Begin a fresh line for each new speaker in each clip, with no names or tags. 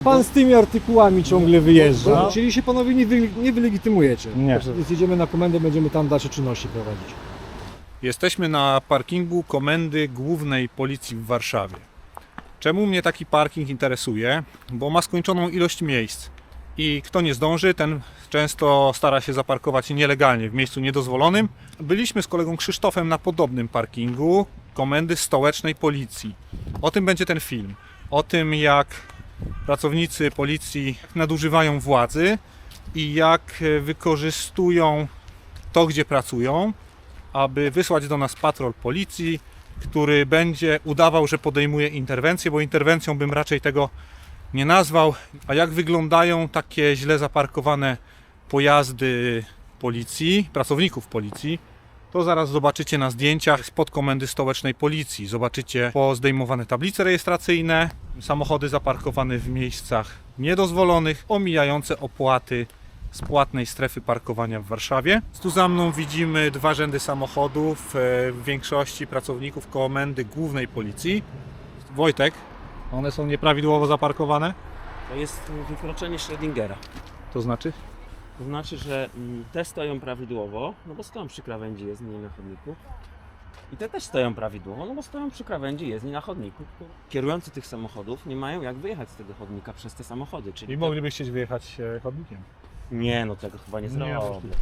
Pan z tymi artykułami ciągle wyjeżdża, czyli się panowie nie wylegitymujecie.
Nie.
Więc jedziemy na komendę, będziemy tam dalsze czynności prowadzić.
Jesteśmy na parkingu Komendy Głównej Policji w Warszawie. Czemu mnie taki parking interesuje? Bo ma skończoną ilość miejsc i kto nie zdąży, ten często stara się zaparkować nielegalnie w miejscu niedozwolonym. Byliśmy z kolegą Krzysztofem na podobnym parkingu Komendy Stołecznej Policji. O tym będzie ten film. O tym, jak pracownicy policji nadużywają władzy i jak wykorzystują to, gdzie pracują, aby wysłać do nas patrol policji, który będzie udawał, że podejmuje interwencję, bo interwencją bym raczej tego nie nazwał. A jak wyglądają takie źle zaparkowane pojazdy policji, pracowników policji, to zaraz zobaczycie na zdjęciach spod Komendy Stołecznej Policji. Zobaczycie pozdejmowane tablice rejestracyjne, samochody zaparkowane w miejscach niedozwolonych, omijające opłaty z płatnej strefy parkowania w Warszawie. Tu za mną widzimy dwa rzędy samochodów, w większości pracowników Komendy Głównej Policji. Wojtek, one są nieprawidłowo zaparkowane?
To jest wykroczenie Schrödingera.
To znaczy?
To znaczy, że te stoją prawidłowo, no bo stoją przy krawędzi jezdni na chodniku. I te też stoją prawidłowo, no bo stoją przy krawędzi jezdni na chodniku. Kierujący tych samochodów nie mają jak wyjechać z tego chodnika przez te samochody. Czyli
I mogliby chcieć wyjechać chodnikiem.
Nie, no tego chyba nie zrobię.
możliwe.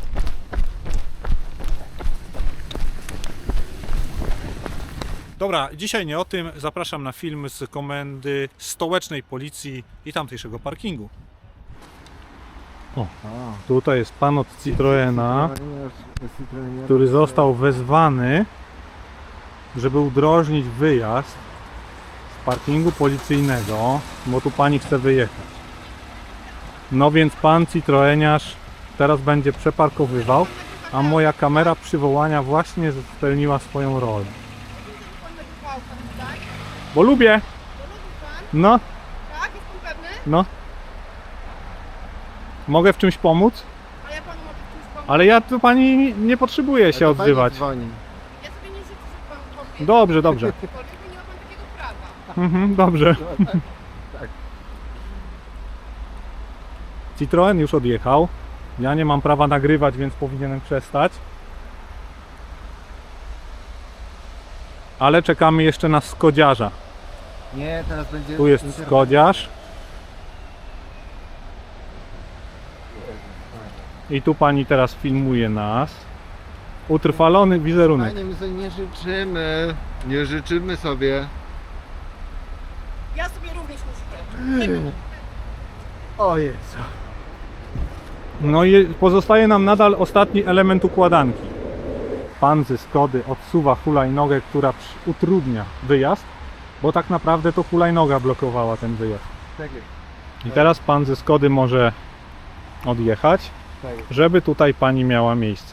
Dobra, dzisiaj nie o tym. Zapraszam na film z Komendy Stołecznej Policji i tamtejszego parkingu. O, tutaj jest pan od Citroena, który został wezwany, żeby udrożnić wyjazd z parkingu policyjnego, bo tu pani chce wyjechać. No więc pan Citroeniarz teraz będzie przeparkowywał, a moja kamera przywołania właśnie spełniła swoją rolę. Bo lubię! No,
Tak, jest pan pewny?
no. Mogę w czymś pomóc?
A ja panu mogę w czymś pomóc?
Ale ja tu pani nie potrzebuję się odzywać.
Ja sobie nie życzę, żeby pan powie.
Dobrze, dobrze.
Aczkolwiek nie ma pan takiego prawa.
Mhm, dobrze. Citroen już odjechał. Ja nie mam prawa nagrywać, więc powinienem przestać. Ale czekamy jeszcze na Skodziarza.
Nie, teraz będzie...
Tu jest Skodziarz. I tu pani teraz filmuje nas. Utrwalony wizerunek.
Panie, my sobie nie życzymy. Nie życzymy sobie.
Ja sobie również nie życzę.
O Jezu.
No i pozostaje nam nadal ostatni element układanki. Pan ze Skody odsuwa hulajnogę, która utrudnia wyjazd, bo tak naprawdę to hulajnoga blokowała ten wyjazd.
Tak jest.
I teraz pan ze Skody może odjechać,
Tak jest.
żeby tutaj pani miała miejsce.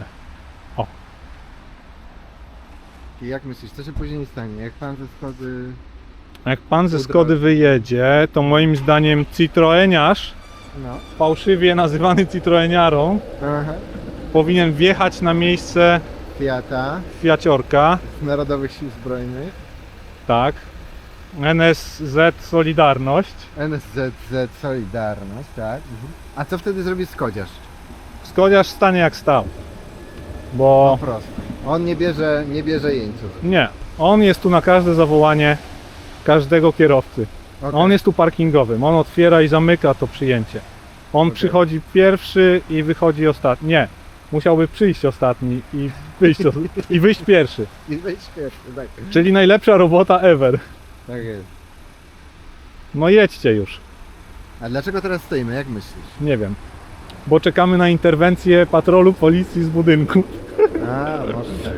I jak myślisz, co się później stanie? Jak pan ze Skody...
Jak pan ze Skody wyjedzie, to moim zdaniem Citroeniarz,
No.
fałszywie nazywany Citroeniarą,
Aha.
powinien wjechać na miejsce
Fiata
Fiaciorka,
z Narodowych Sił Zbrojnych.
tak, NSZ Solidarność.
NSZZ Solidarność, tak. A co wtedy zrobi Skodziarz?
Skodziarz stanie jak stał,
Po
bo
prostu. On nie bierze jeńców.
nie, on jest tu na każde zawołanie każdego kierowcy.
Okay.
On jest tu parkingowym, on otwiera i zamyka to przyjęcie. On
Okej.
przychodzi pierwszy i wychodzi ostatni. Nie, musiałby przyjść ostatni i wyjść pierwszy.
I weź pierwszy, tak.
Czyli najlepsza robota ever.
Tak jest.
No jedźcie już,
A dlaczego teraz stoimy, jak myślisz?
nie wiem. Bo czekamy na interwencję patrolu policji z budynku.
A, może tak.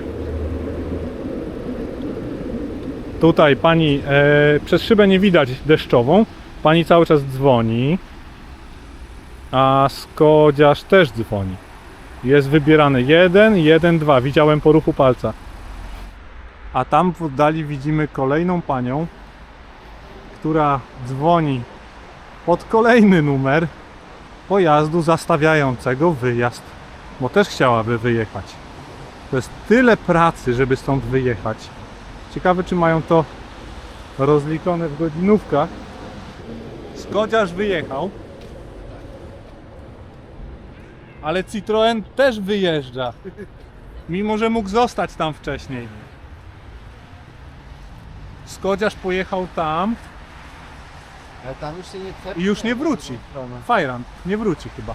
Tutaj pani, przez szybę nie widać deszczową, pani cały czas dzwoni, a Skodziarz też dzwoni. Jest wybierany 1, 1, 2, widziałem po ruchu palca. A tam w oddali widzimy kolejną panią, która dzwoni pod kolejny numer pojazdu zastawiającego wyjazd, bo też chciałaby wyjechać. To jest tyle pracy, żeby stąd wyjechać. Ciekawe, czy mają to rozliczone w godzinówkach. Skodziarz wyjechał. Ale Citroen też wyjeżdża. Mimo że mógł zostać tam wcześniej. Skodziarz pojechał tam
Ale tam już się nie
i już nie wróci. Fajran nie wróci chyba.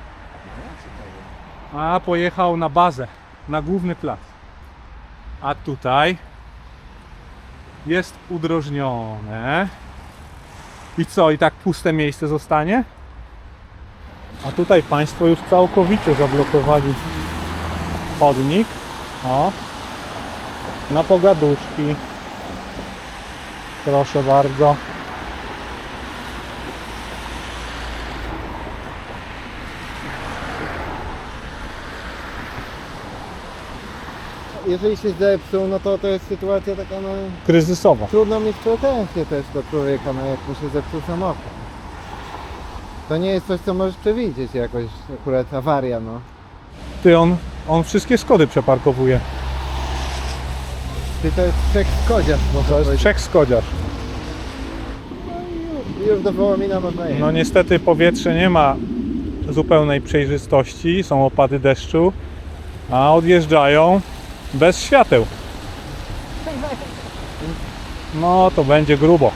A pojechał na bazę, na główny plac. A tutaj jest udrożnione. I co? I tak puste miejsce zostanie? A tutaj państwo już całkowicie zablokowali chodnik. O. Na pogaduszki. Proszę bardzo.
Jeżeli się zepsuł, no to jest sytuacja taka, no
Kryzysowa.
trudno mieć pretensje też do człowieka, no jak mu się zepsuł samochód. To nie jest coś, co możesz przewidzieć jakoś, akurat awaria, no.
Ty, on wszystkie Skody przeparkowuje.
Ty to jest trzech skodziarz, można
To jest
powiedzieć.
trzech Skodziarz.
Już do Wołomina można jechać.
No niestety powietrze nie ma zupełnej przejrzystości, są opady deszczu, a odjeżdżają bez świateł. No to będzie grubo.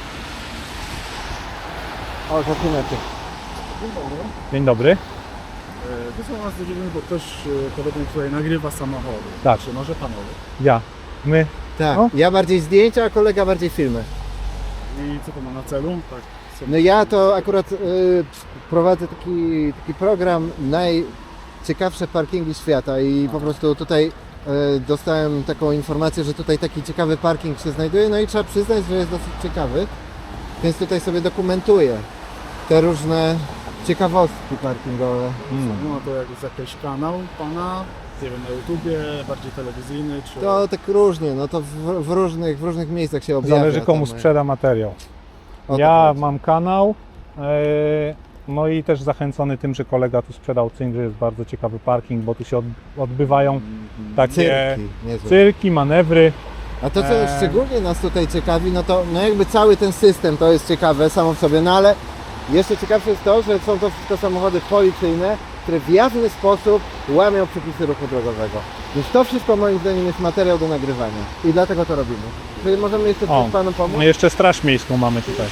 O, zaczynacie.
Dzień dobry.
Wysłał nas do dziewięć, bo ktoś podobnie tutaj nagrywa samochody.
Tak.
Czy może panowie?
Ja. My.
Tak,
No.
ja bardziej zdjęcia, a kolega bardziej filmy.
I co to ma na celu? Tak.
No ja to akurat prowadzę taki program najciekawsze parkingi świata i po prostu tutaj dostałem taką informację, że tutaj taki ciekawy parking się znajduje, no i trzeba przyznać, że jest dosyć ciekawy, więc tutaj sobie dokumentuję te różne ciekawostki parkingowe.
No to jak jest jakiś kanał pana, nie wiem, na YouTubie, bardziej telewizyjny, czy...
To tak różnie, no to w różnych miejscach się objawia.
Zależy komu
tam,
sprzeda materiał.
o to
Ja
chodzi.
mam kanał. No i też zachęcony tym, że kolega tu sprzedał cynk, że jest bardzo ciekawy parking, bo tu się odbywają takie
Cyrki, niezłe.
cyrki, manewry.
A to, co szczególnie nas tutaj ciekawi, no to no jakby cały ten system to jest ciekawe samo w sobie, no ale jeszcze ciekawsze jest to, że są to wszystko samochody policyjne, które w jawny sposób łamią przepisy ruchu drogowego. Więc to wszystko moim zdaniem jest materiał do nagrywania i dlatego to robimy. Czyli możemy jeszcze
O,
coś Panu pomóc?
no jeszcze Straż Miejską mamy tutaj.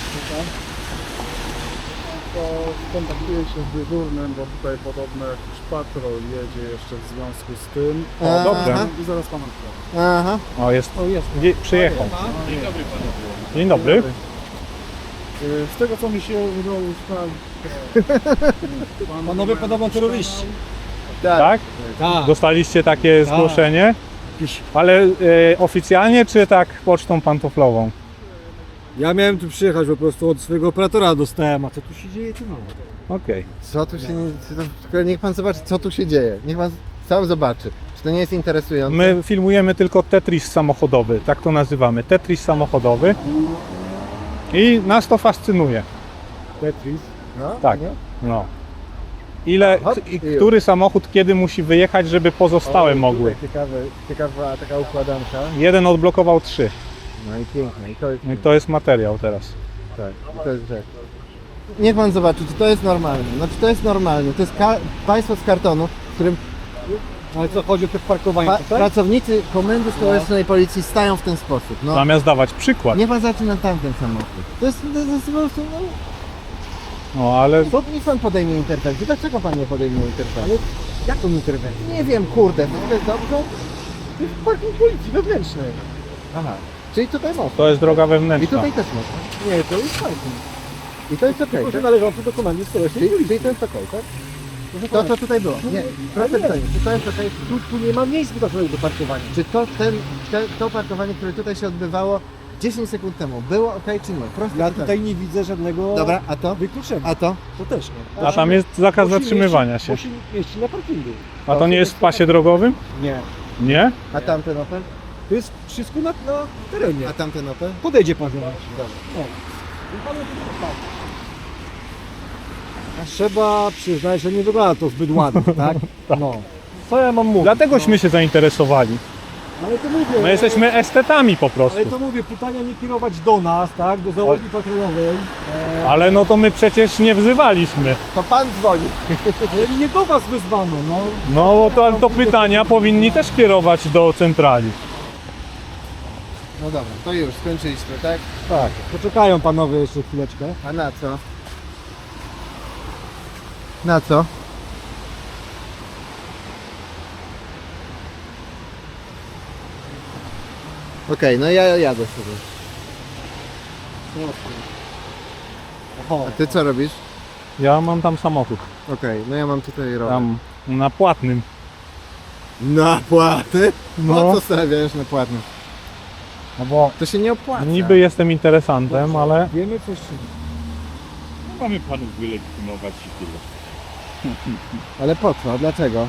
To skontaktuję się z dyżurnym, bo tutaj podobno jakiś patrol jedzie jeszcze w związku z tym.
Aha.
Dobrze.
I zaraz pana wkładam.
Aha.
O, jest. Przyjechał. Dzień dobry.
Z tego co mi się udało ustalić...
Panowie podobno terroryści.
Tak?
Tak.
Dostaliście takie zgłoszenie? Ale oficjalnie czy tak pocztą pantoflową?
Ja miałem tu przyjechać po prostu od swojego operatora dostałem, a co tu się dzieje, to no.
Okej.
Co tu się... Tylko niech Pan zobaczy, co tu się dzieje. Niech Pan sam zobaczy. Czy to nie jest interesujące?
My filmujemy tylko Tetris samochodowy, tak to nazywamy. Tetris samochodowy. I nas to fascynuje.
Tetris.
No,
Tak.
nie?
No. Ile,
Hop,
i
i już.
który samochód kiedy musi wyjechać, żeby pozostałe
O,
mogły?
tutaj ciekawa taka układanka.
Jeden odblokował 3.
No i piękne. I to jest,
I to jest materiał teraz.
tak, i to jest rzecz. Niech Pan zobaczy, czy to jest normalne. No czy to jest normalne. To jest państwo z kartonu, w którym
Ale co, chodzi o te parkowanie tutaj?
pracownicy Komendy Stołecznej Policji stają w ten sposób. No,
Zamiast dawać przykład.
niech Pan zaczyna tamten samochód. To jest po prostu, no,
No ale
to niech Pan podejmie interwencję. Dlaczego Pan nie podejmie interwencji?
Jaką interwencję?
Nie wiem, kurde, to jest dobrze?
To jest parking policji wewnętrznej.
Aha. Czyli tutaj można.
to jest droga
I
wewnętrzna.
tutaj też można.
Nie, to jest parking.
I to jest okej,
Tylko, że
tak?
należący do komendy stołecznej policji.
Czyli to jest okej, tak? To, co tutaj było. Nie, proszę pytanie, czy to jest okej?
Tu nie ma miejsc wyznaczonych do parkowania.
Czy to parkowanie, które tutaj się odbywało 10 sekund temu, było okej czy nie? Proste
Ja
pytanie.
tutaj nie widzę żadnego
Dobra, a to?
wykluczenia.
A to?
To też nie.
A tam jest zakaz
Musi
zatrzymywania
mieścić-
się.
Musi mieścić na parkingu.
A to nie jest w pasie drogowym?
Nie.
Nie?
A tamten Opel?
To jest wszystko na terenie.
A tamten Opel?
Podejdzie pan do nas.
Dobra.
Trzeba przyznać, że nie wygląda to zbyt ładnie, tak? No. Co ja mam mówić?
Dlategośmy się zainteresowali.
Ale to mówię,
My jesteśmy estetami po prostu.
ale to mówię, pytania nie kierować do nas, tak? Do załogi patrolowej.
Ale no to my przecież nie wzywaliśmy.
To pan dzwoni.
Ale nie do was wyzwano, no.
No to, ale to pytania powinni też kierować do centrali.
No dobra, to już skończyliśmy, tak?
Tak, poczekają panowie jeszcze chwileczkę.
A na co? Na co? Okej, no ja jadę sobie.
Oho.
A ty co robisz?
Ja mam tam samochód.
Okej, no ja mam tutaj rower.
Tam na płatnym.
Na płaty?
No.
No co stawiasz na płatnym?
No bo
To się nie opłaca.
niby jestem interesantem, ale
Wiemy coś.
Mamy panów wylegitymować i tyle.
Ale po co? Dlaczego?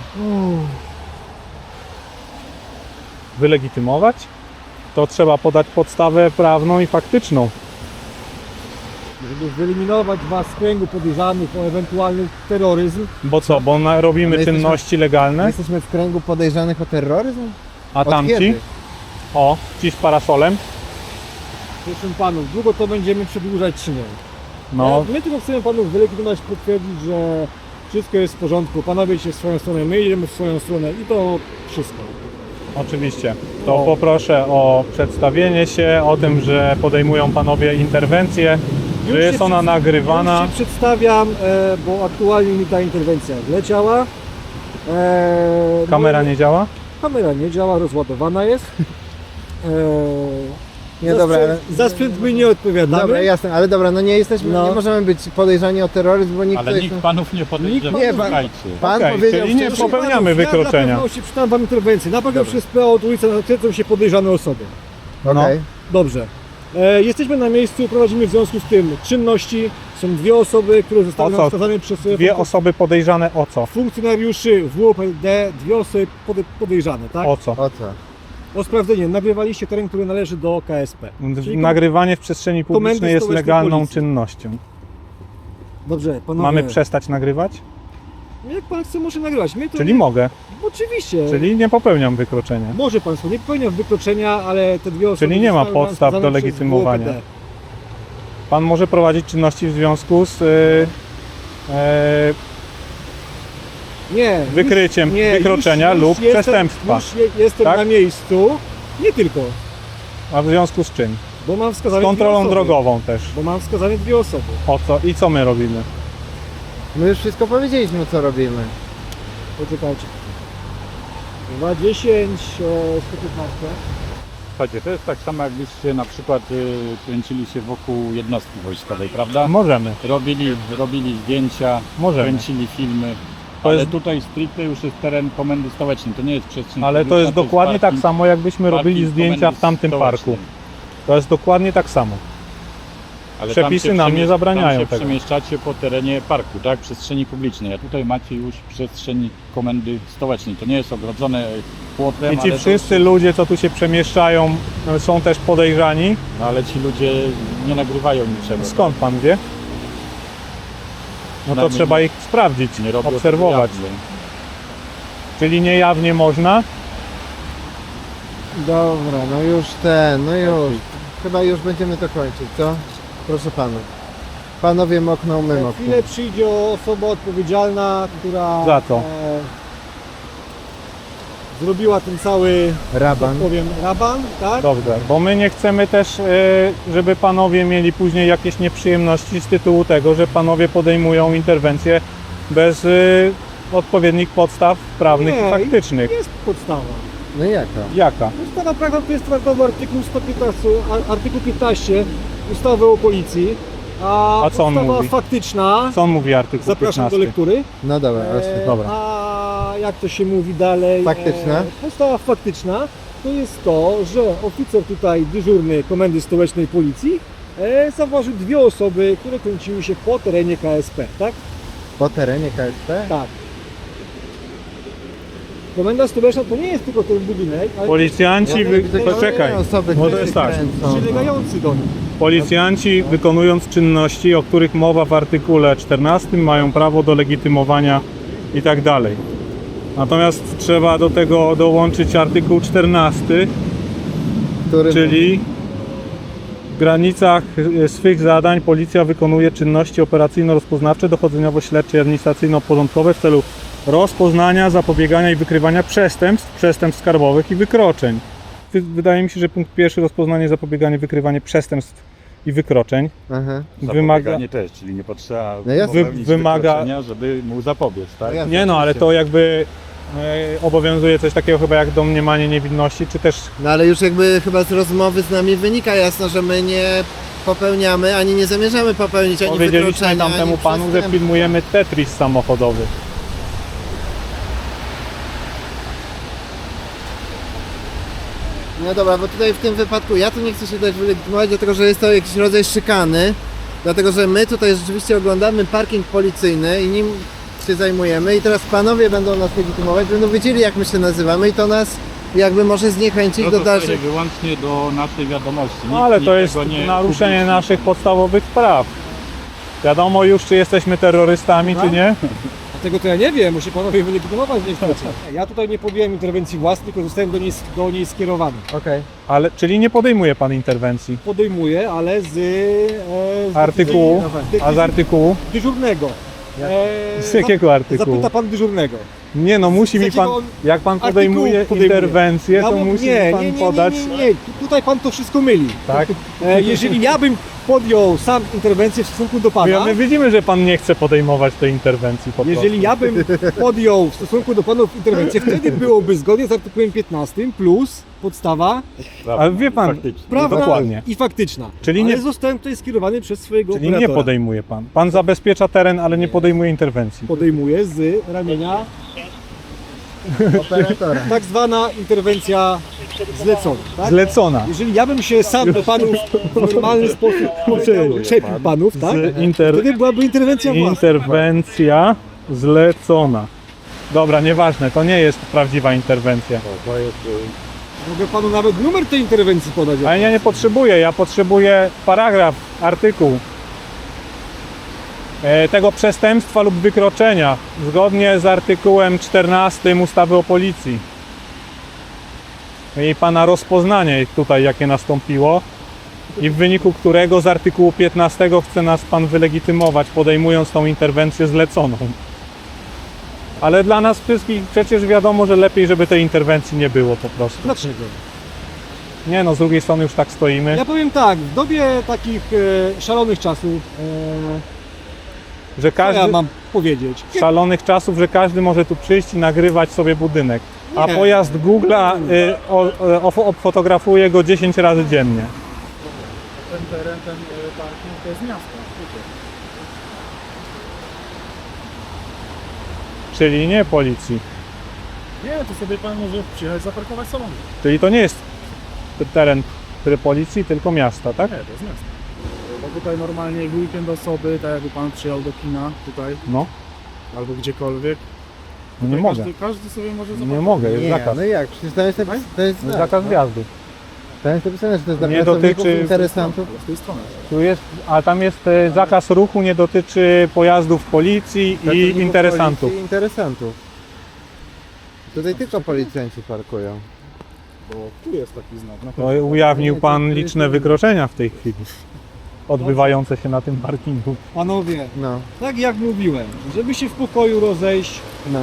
wylegitymować, to trzeba podać podstawę prawną i faktyczną.
Żeby wyeliminować was z kręgu podejrzanych o ewentualny terroryzm.
Bo co, bo robimy
Ale jesteśmy-
czynności legalne,
Jesteśmy w kręgu podejrzanych o terroryzm?
a
Od
tamci,
kiedy?
o, ci z parasolem,
Proszę panów, długo to będziemy przedłużać czy nie?
no,
My tylko chcemy panów wylegitymować, potwierdzić, że wszystko jest w porządku. Panowie idziecie w swoją stronę, my idziemy w swoją stronę i to wszystko.
oczywiście. To poproszę o przedstawienie się, o tym, że podejmują panowie interwencję, że
Już
jest
się
ona
przed-
nagrywana.
Już się przedstawiam, bo aktualnie mi ta interwencja wleciała.
Kamera nie działa?
Kamera nie działa, rozładowana jest.
Nie, dobra, ale...
Za sprzęt my nie odpowiadamy.
Dobra, jasne, ale dobra, no nie jesteśmy,
No.
nie możemy być podejrzani o terroryzm, bo nikt
Ale
tutaj...
nikt panów nie podejrzewa.
Nie, pan-
Słuchajcie.
Pan
Okej,
powiedział,
czyli nie
że-
popełniamy
Ja
wykroczenia.
na pewno się przeczytałem wam interwencję. Na pewno przez PO od ulicy nakręcą się podejrzane osoby.
No.
Okej.
Dobrze. Jesteśmy na miejscu, prowadzimy w związku z tym czynności. Są dwie osoby, które zostały
O co?
nam wskazane przez
Dwie osoby podejrzane o co?
funkcjonariuszy WOPD, dwie osoby podejrzane, tak?
O co?
O co?
O sprawdzenie. Nagrywaliście teren, który należy do KSP. Czyli
Nagrywanie w przestrzeni publicznej
Komendy
jest
Stołecznej
legalną
Policji.
czynnością.
Dobrze, panowie.
Mamy przestać nagrywać?
Jak pan chce, może nagrywać. My to
Czyli mogę,
Oczywiście.
czyli nie popełniam wykroczenia.
Może państwo, nie popełniam wykroczenia, ale te dwie osoby...
Czyli nie ma
zostały nam
podstaw
wskazane
do
przez
legitymowania.
WOPD.
Pan może prowadzić czynności w związku z
Nie.
wykryciem
nie,
wykroczenia
już
lub
jestem,
przestępstwa.
Już jestem
Tak?
na miejscu. Nie tylko,
A w związku z czym?
bo mam
Z
wskazane dwie
kontrolą
osoby.
drogową też.
Bo mam wskazane dwie osoby.
O co i co my robimy?
My już wszystko powiedzieliśmy, co robimy.
Poczekajcie. 210, 115.
Słuchajcie, to jest tak samo jakbyście na przykład kręcili się wokół jednostki wojskowej, prawda?
Możemy,
Robili zdjęcia,
możemy.
kręcili filmy.
To
Ale
jest-
tutaj stricte już jest teren komendy stołecznej, to nie jest przestrzeń
Ale to
publiczna,
jest dokładnie tak
parking-
samo, jakbyśmy robili
parking
zdjęcia
komendy
w tamtym
stołecznej.
parku. To jest dokładnie tak samo.
Ale
Przepisy
tam się
nam nie zabraniają
tam się
tego.
przemieszczacie po terenie parku, tak? Przestrzeni publicznej. A tutaj macie już przestrzeń komendy stołecznej. To nie jest ogrodzone płotem,
I ci
ale
wszyscy ludzie, co tu się przemieszczają, są też podejrzani.
ale ci ludzie nie nagrywają niczego.
Skąd pan wie? No to
Przynajmniej
trzeba ich sprawdzić,
Nie robią
obserwować.
tego jawnie.
Czyli niejawnie można?
Dobra, no już. Chyba już będziemy to kończyć, co? Proszę panów. Panowie mokną, my
Za
mokną.
chwilę przyjdzie osoba odpowiedzialna, która...
Za co?
zrobiła ten cały,
Raban.
tak powiem, raban, tak?
Dobrze, bo my nie chcemy też, żeby panowie mieli później jakieś nieprzyjemności z tytułu tego, że panowie podejmują interwencje bez odpowiednich podstaw prawnych
Nie,
i faktycznych.
Jest podstawa.
No i jaka?
Jaka?
Podstawa prawna to jest traktowy artykuł 115, artykuł 15 ustawy o policji,
A co on
podstawa
mówi?
faktyczna,
Co on mówi artykuł
zapraszam
15?
do lektury.
No dobra,
dobra.
A jak to się mówi dalej?
Faktyczna?
Podstawa faktyczna to jest to, że oficer tutaj dyżurny Komendy Stołecznej Policji zauważył dwie osoby, które kręciły się po terenie KSP, tak?
po terenie KSP?
Tak. Komenda Stołeczna to nie jest tylko ten budynek, ale
Policjanci, poczekaj,
Osoby,
bo to
które
jest tak.
kręcą.
przylegający do nich.
Policjanci wykonując czynności, o których mowa w artykule 14, mają prawo do legitymowania i tak dalej. Natomiast trzeba do tego dołączyć artykuł 14,
Który...
czyli w granicach swych zadań policja wykonuje czynności operacyjno-rozpoznawcze, dochodzeniowo-śledcze i administracyjno-porządkowe w celu rozpoznania, zapobiegania i wykrywania przestępstw skarbowych i wykroczeń. Wydaje mi się, że punkt pierwszy, rozpoznanie, zapobieganie, wykrywanie przestępstw i wykroczeń
Aha.
wymaga...
Zapobieganie też, czyli nie potrzeba
No jasne.
popełnić
Wymaga-
wykroczenia, żeby mu zapobiec, tak?
jasne.
Nie no, ale to jakby obowiązuje coś takiego chyba jak domniemanie niewinności, czy też
No ale już jakby chyba z rozmowy z nami wynika jasno, że my nie popełniamy, ani nie zamierzamy popełnić ani
powiedzieliśmy
wykroczenia,
tamtemu
ani
panu, że
przestępstw.
filmujemy Tetris samochodowy.
No dobra, bo tutaj w tym wypadku ja tu nie chcę się dać wylegitymować, dlatego że jest to jakiś rodzaj szykany, dlatego że my tutaj rzeczywiście oglądamy parking policyjny i nim się zajmujemy i teraz panowie będą nas legitymować, będą wiedzieli jak my się nazywamy i to nas jakby może zniechęcić
To
do
zostaje
dalszych...
wyłącznie do naszej wiadomości.
No ale to jest
tego nie
naruszenie
upubliczni.
naszych podstawowych praw. Wiadomo już, czy jesteśmy terrorystami, czy nie.
Dlatego to ja nie wiem, musi panowie wylegitymować niestety. Ja tutaj nie podjąłem interwencji własnej, tylko zostałem do niej skierowany.
Okej.
Ale, czyli nie podejmuje pan interwencji.
Podejmuję, ale z
Artykułu, a z artykułu?
dyżurnego.
Z jakiego artykułu?
Zapyta pan dyżurnego.
Nie no, musi
Z
mi pan,
jakiego
jak pan
artykułu
podejmuje
podejmuje?
interwencję,
Ja
to
mu-
musi
nie,
mi pan
nie, nie,
podać,
Nie, nie, nie. Tutaj pan to wszystko myli.
tak?
Jeżeli ja bym podjął sam interwencję w stosunku do pana,
My widzimy, że pan nie chce podejmować tej interwencji po prostu.
jeżeli ja bym podjął w stosunku do panów interwencję, wtedy byłoby zgodnie z artykułem 15 plus podstawa
Ale wie pan,
Faktycznie.
prawna
dokładnie.
i faktyczna.
Czyli
Ale
nie-
zostałem tutaj skierowany przez swojego
Czyli nie
operatora.
podejmuje pan. Pan zabezpiecza teren, ale nie podejmuje interwencji.
Podejmuję z ramienia
Operatora.
tak zwana interwencja zlecona. Tak?
Zlecona.
Jeżeli ja bym się sam do panów w normalny sposób czepił panów, tak? Wtedy byłaby interwencja własna.
Interwencja zlecona. Dobra, nieważne, to nie jest prawdziwa interwencja.
To jest,
Mogę panu nawet numer tej interwencji podać.
Ale ja nie potrzebuję, ja potrzebuję paragraf, artykuł tego przestępstwa lub wykroczenia zgodnie z artykułem 14 ustawy o policji. I pana rozpoznanie tutaj jakie nastąpiło i w wyniku którego z artykułu 15 chce nas pan wylegitymować, podejmując tą interwencję zleconą. Ale dla nas wszystkich przecież wiadomo, że lepiej, żeby tej interwencji nie było po prostu.
Dlaczego?
Nie no, z drugiej strony już tak stoimy.
Ja powiem tak, w dobie takich szalonych czasów,
Że
co
każdy,
ja mam powiedzieć?
szalonych czasów, że każdy może tu przyjść i nagrywać sobie budynek. A
Nie.
pojazd Google'a fotografuje go 10 razy dziennie.
Ten teren, ten parking to jest miasto.
Czyli nie policji.
Nie, to sobie pan może przyjechać zaparkować samochód.
Czyli to nie jest teren policji, tylko miasta, tak?
Nie, to jest miasto. Bo tutaj normalnie w weekend osoby, tak jakby pan przyjechał do kina tutaj,
No,
albo gdziekolwiek.
no nie
Tutaj
mogę.
Każdy sobie może
Nie
zaparkować.
mogę, jest
Nie,
zakaz.
no jak? Przecież to jest napisane, to jest,
Zakaz wjazdu.
to jest napisane, że to jest dla
Nie
pracowników,
dotyczy-
interesantów.
Ale z tej strony.
Tu jest, a tam jest zakaz ruchu, nie dotyczy pojazdów policji i
Pracowników
interesantów.
policji i interesantów. Tutaj tylko policjanci parkują.
Bo tu jest taki znak. Na
No, ujawnił pan liczne wykroczenia w tej chwili, odbywające się na tym parkingu.
Panowie,
No,
tak jak mówiłem, żeby się w pokoju rozejść,
no.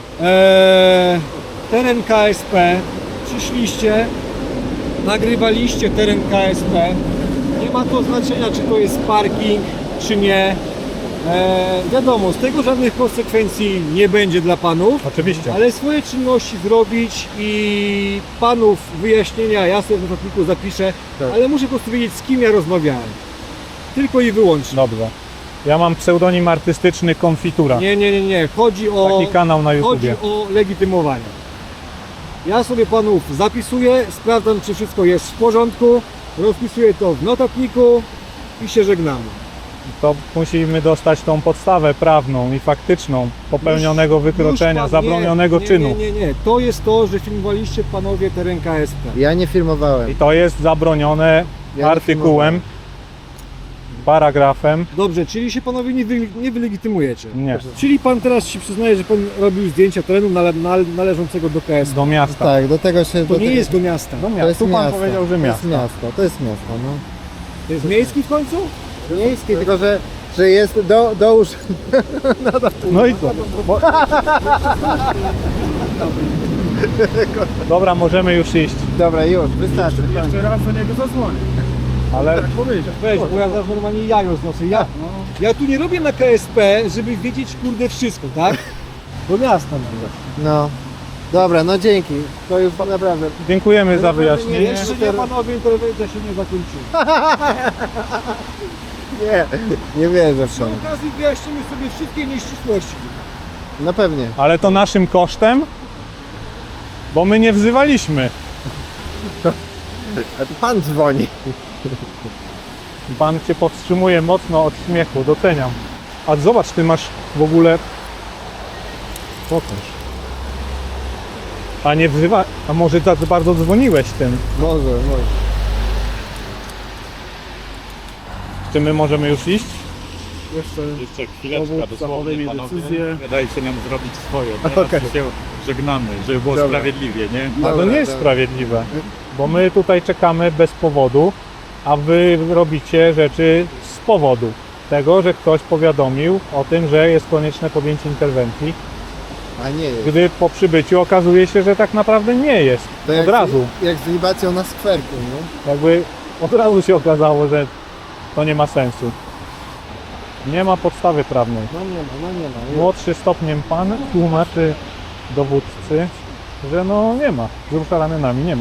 teren KSP, przyszliście, nagrywaliście teren KSP, nie ma to znaczenia, czy to jest parking, czy nie. Wiadomo, z tego żadnych konsekwencji nie będzie dla panów,
Oczywiście.
ale swoje czynności zrobić i panów wyjaśnienia ja sobie w notatniku zapiszę,
Tak.
ale muszę po prostu wiedzieć, z kim ja rozmawiałem. Tylko i wyłącznie.
Dobrze. Ja mam pseudonim artystyczny Konfitura.
Nie. Chodzi o...
Taki kanał na
Chodzi
YouTubie.
o legitymowanie. Ja sobie panów zapisuję, sprawdzam, czy wszystko jest w porządku, rozpisuję to w notatniku i się żegnamy.
To musimy dostać tą podstawę prawną i faktyczną popełnionego wykroczenia,
Już pan-
zabronionego czynu.
Nie. To jest to, że filmowaliście panowie teren KSP.
Ja nie filmowałem.
I to jest zabronione
Ja nie
artykułem. paragrafem.
Dobrze, czyli się panowie nie wylegitymujecie.
Nie,
Czyli pan teraz się przyznaje, że pan robił zdjęcia terenu należącego do KS.
do miasta.
Tak, do tego się...
To nie jest do miasta.
Do
To
miasta.
jest
Tu pan
miasto.
powiedział, że
To
miasto.
jest miasto, to jest miasto, no.
To jest miejski w końcu?
Miejski, tylko że jest do
No i co? Dobra, możemy już iść,
Dobra, już, wystarczy.
Jeszcze raz do niego zadzwonię.
ale
Weź, bo ja zaraz normalnie jajo znoszę. Ja tu nie robię na KSP, żeby wiedzieć kurde wszystko, tak? Do miasta nawet.
No. Dobra, no dzięki. To już naprawdę...
dziękujemy za wyjaśnienie.
Jeszcze nie panowie, interwencja się nie zakończyła.
Nie wierzę w
Przy
to.
okazji wyjaśnimy sobie wszystkie nieścisłości.
No pewnie.
Ale to naszym kosztem, bo my nie wzywaliśmy.
A to pan dzwoni.
Pan cię powstrzymuje mocno od śmiechu, doceniam. A zobacz, ty masz w ogóle... Pokaż. A nie wzywa... A może tak bardzo dzwoniłeś tym?
Może.
Czy my możemy już iść?
Jeszcze chwileczkę,
Dowódca
dosłownie
podejmie
panowie.
decyzję.
Dajcie nam zrobić swoje. Teraz się żegnamy, żeby było
Dobra.
sprawiedliwie, nie?
A to nie jest sprawiedliwe, bo my tutaj czekamy bez powodu, a wy robicie rzeczy z powodu tego, że ktoś powiadomił o tym, że jest konieczne podjęcie interwencji,
A nie jest.
gdy po przybyciu okazuje się, że tak naprawdę nie jest.
To
Od
jak,
razu.
Jak z libacją na skwerku, no.
Jakby od razu się okazało, że to nie ma sensu. Nie ma podstawy prawnej.
No nie ma.
Młodszy stopniem pan tłumaczy dowódcy, że no nie ma. Wzrusza ramionami, nie ma.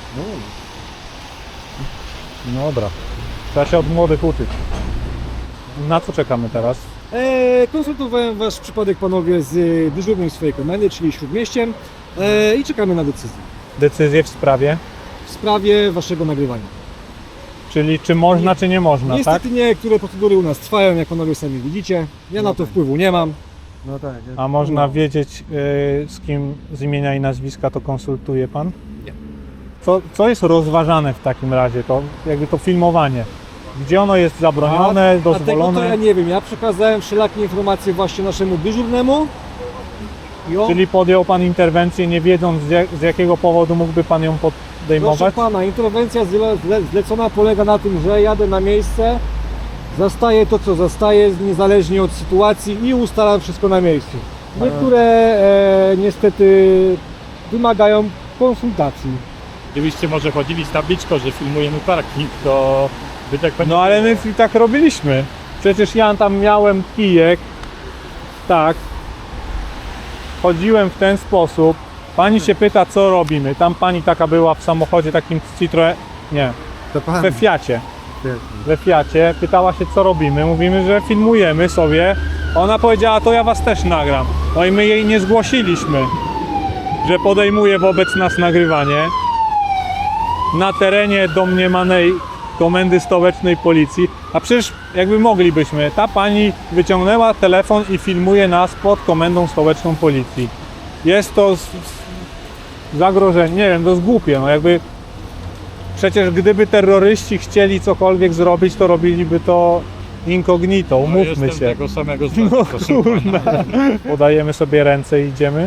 No dobra. Trzeba się od młodych uczyć. Na co czekamy teraz?
Konsultowałem wasz przypadek panowie z dyżurnym swojej komendy, czyli Śródmieściem i czekamy na decyzję
Decyzję w sprawie,
w sprawie waszego nagrywania.
czyli czy można, czy nie można, tak?
Niestety niektóre procedury u nas trwają, jak panowie sami widzicie. Ja na to wpływu nie mam.
No tak.
A można wiedzieć, z kim z imienia i nazwiska to konsultuje pan?
Nie.
Co jest rozważane w takim razie, to jakby to filmowanie? Gdzie ono jest zabronione,
A tego to
dozwolone?
ja nie wiem. Ja przekazałem wszelakie informacje właśnie naszemu dyżurnemu. I on,
Czyli podjął pan interwencję, nie wiedząc z jakiego powodu mógłby pan ją
proszę
podejmować?
pana, interwencja zlecona polega na tym, że jadę na miejsce, zastaję to, co zastaję, niezależnie od sytuacji i ustalam wszystko na miejscu. Niektóre niestety wymagają konsultacji.
Gdybyście może chodzili z tabliczką, że filmujemy parking, to by tak pani...
No ale my i tak robiliśmy. Przecież ja tam miałem kijek, tak. Chodziłem w ten sposób. Pani się pyta, co robimy. Tam pani taka była w samochodzie takim Citroën, nie,
To pan.
we Fiacie. We Fiacie. Pytała się, co robimy. Mówimy, że filmujemy sobie. Ona powiedziała, to ja was też nagram. No i my jej nie zgłosiliśmy, że podejmuje wobec nas nagrywanie na terenie domniemanej Komendy Stołecznej Policji, a przecież jakby moglibyśmy. Ta pani wyciągnęła telefon i filmuje nas pod Komendą Stołeczną Policji. Jest to zagrożenie, nie wiem, to jest głupie, no jakby przecież gdyby terroryści chcieli cokolwiek zrobić, to robiliby to incognito,
No,
umówmy
jestem
się.
tego samego zdania,
No
proszę
kurna.
pana.
Podajemy sobie ręce i idziemy.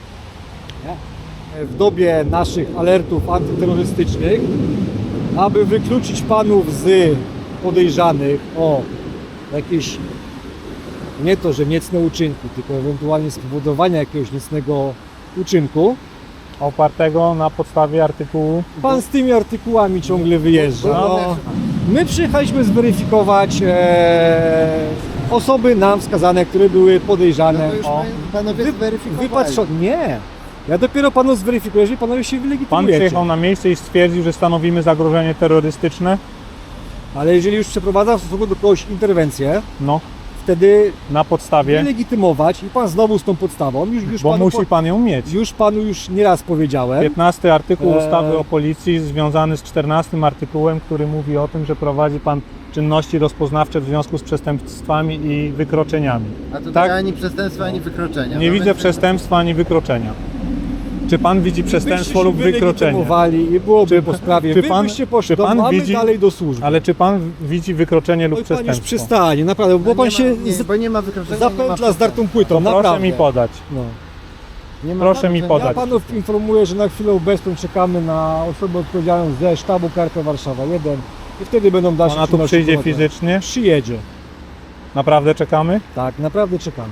W dobie naszych alertów antyterrorystycznych, aby wykluczyć panów z podejrzanych o jakieś, nie to, że niecne uczynki, tylko ewentualnie spowodowania jakiegoś niecnego uczynku,
Opartego na podstawie artykułu.
pan z tymi artykułami ciągle wyjeżdża.
No.
My przyjechaliśmy zweryfikować osoby nam wskazane, które były podejrzane
To już
o
panowie zweryfikowali.
wypatrzone. Nie! Ja dopiero panu zweryfikuję, jeżeli panowie się
Pan
wylegitymujecie.
przyjechał na miejsce i stwierdził, że stanowimy zagrożenie terrorystyczne.
Ale jeżeli już przeprowadza w stosunku do kogoś interwencję,
No,
wtedy
na podstawie,
wylegitymować i pan znowu z tą podstawą,
bo musi pan ją mieć.
już panu już nieraz powiedziałem,
15 artykuł
Eee.
ustawy o policji związany z 14 artykułem, który mówi o tym, że prowadzi pan czynności rozpoznawcze w związku z przestępstwami i wykroczeniami.
A tutaj
tak?
ani przestępstwa, ani wykroczenia.
Nie
No
widzę
więc-
przestępstwa ani wykroczenia. Czy pan widzi przestępstwo lub wykroczenie?
wylegitymowali i byłoby po sprawie.
czy
Wy
pan-
byście poszli,
czy pan
mamy
widzi-
dalej do służby.
Ale czy pan widzi wykroczenie lub
Oj, pan już
przestępstwo?
przystanie, naprawdę, bo pan się
bo nie ma wykroczenia. nie ma
zapętla z dartą płytą,
To proszę
naprawdę.
mi podać.
No.
nie ma
proszę mi
wykroczenia.
podać.
Ja panów informuję, że na chwilę obecną czekamy na osobę odpowiedzialną ze sztabu Karta Warszawa 1 i wtedy będą dalsze
Ona tu
czynności
przyjdzie
prowadzone.
fizycznie?
Przyjedzie.
Naprawdę czekamy?
Tak, naprawdę czekamy.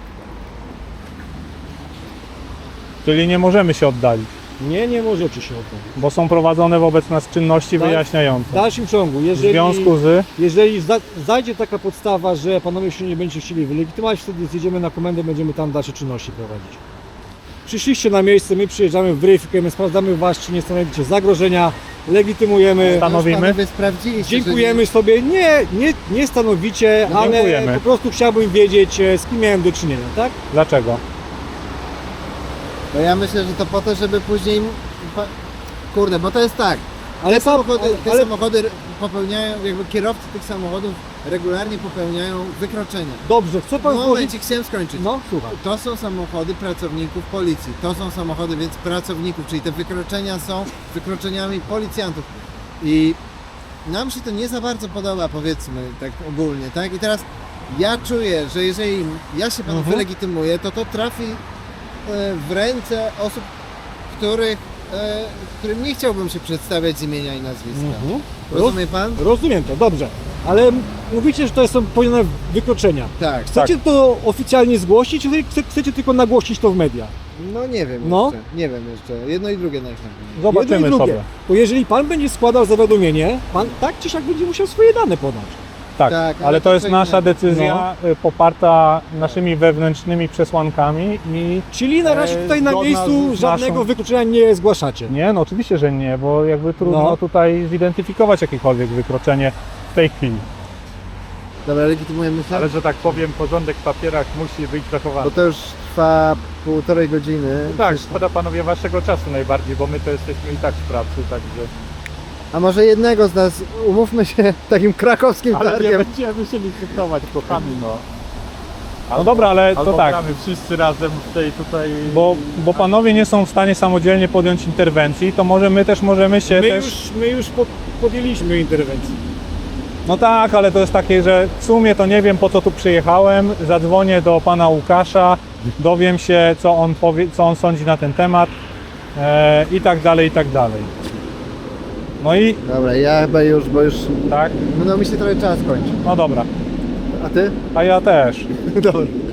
Czyli nie możemy się oddalić,
Nie możecie się o to.
bo są prowadzone wobec nas czynności
Tak.
wyjaśniające.
W dalszym ciągu,
W
jeżeli,
związku z...
jeżeli zajdzie taka podstawa, że panowie się nie będziecie chcieli wylegitymować, wtedy zjedziemy na komendę, będziemy tam dalsze czynności prowadzić. Przyszliście na miejsce, my przyjeżdżamy, weryfikujemy, sprawdzamy was, czy nie stanowicie zagrożenia, legitymujemy,
Stanowimy?
Panowie sprawdziliście,
dziękujemy sobie, nie stanowicie,
No,
ale
dziękujemy.
po prostu chciałbym wiedzieć, z kim miałem do czynienia, tak?
Dlaczego?
Bo ja myślę, że to po to, żeby później... Kurde, bo to jest tak.
Ale
Te samochody popełniają, jakby kierowcy tych samochodów regularnie popełniają wykroczenia.
Dobrze, chcę pan
No
złożyć...
momencik, chciałem skończyć.
No, słucham.
To są samochody pracowników policji. To są samochody więc pracowników, czyli te wykroczenia są wykroczeniami policjantów. I nam się to nie za bardzo podoba, powiedzmy, tak ogólnie, tak? I teraz ja czuję, że jeżeli ja się panu wylegitymuję, to trafi w ręce osób, którym nie chciałbym się przedstawiać z imienia i nazwiska. Rozumie pan?
Rozumiem to, dobrze. Ale mówicie, że to są popełnione wykroczenia.
Tak.
Chcecie to oficjalnie zgłosić, czy chcecie tylko nagłosić to w mediach?
No nie wiem
No.
jeszcze. Nie wiem jeszcze. Jedno i drugie najchętniej.
Jedno
Zobaczymy
i drugie.
sobie.
To jeżeli pan będzie składał zawiadomienie, pan tak czy siak będzie musiał swoje dane podać.
Tak,
Tak,
ale
ale
to
to
jest
co
nasza
innego.
decyzja poparta naszymi wewnętrznymi przesłankami i
Czyli na razie tutaj na
zgodna
miejscu
z
żadnego
naszą-
wykroczenia nie zgłaszacie.
nie, no oczywiście, że nie, bo jakby trudno
No.
tutaj zidentyfikować jakiekolwiek wykroczenie w tej chwili.
Dobra, legitymujemy się?
Ale że tak powiem, porządek w papierach musi być zachowany.
Bo to już trwa 1,5 godziny.
Tak, szkoda panowie waszego czasu najbardziej, bo my to jesteśmy i tak w pracy, także...
A może jednego z nas, umówmy się takim krakowskim
Ale nie
targiem.
będziemy się licytować, kochani, no.
No dobra, ale to
Albo
tak,
gramy wszyscy razem w tej tutaj...
bo panowie nie są w stanie samodzielnie podjąć interwencji, to może my też możemy się
My już podjęliśmy interwencję.
No tak, ale to jest takie, że w sumie to nie wiem, po co tu przyjechałem, zadzwonię do pana Łukasza, dowiem się, co on powie, co on sądzi na ten temat i tak dalej, i tak dalej. No i
Dobra, ja chyba już, bo już
tak,
no mi się trochę czas kończy.
no dobra,
A ty?
a ja też.
Dobra.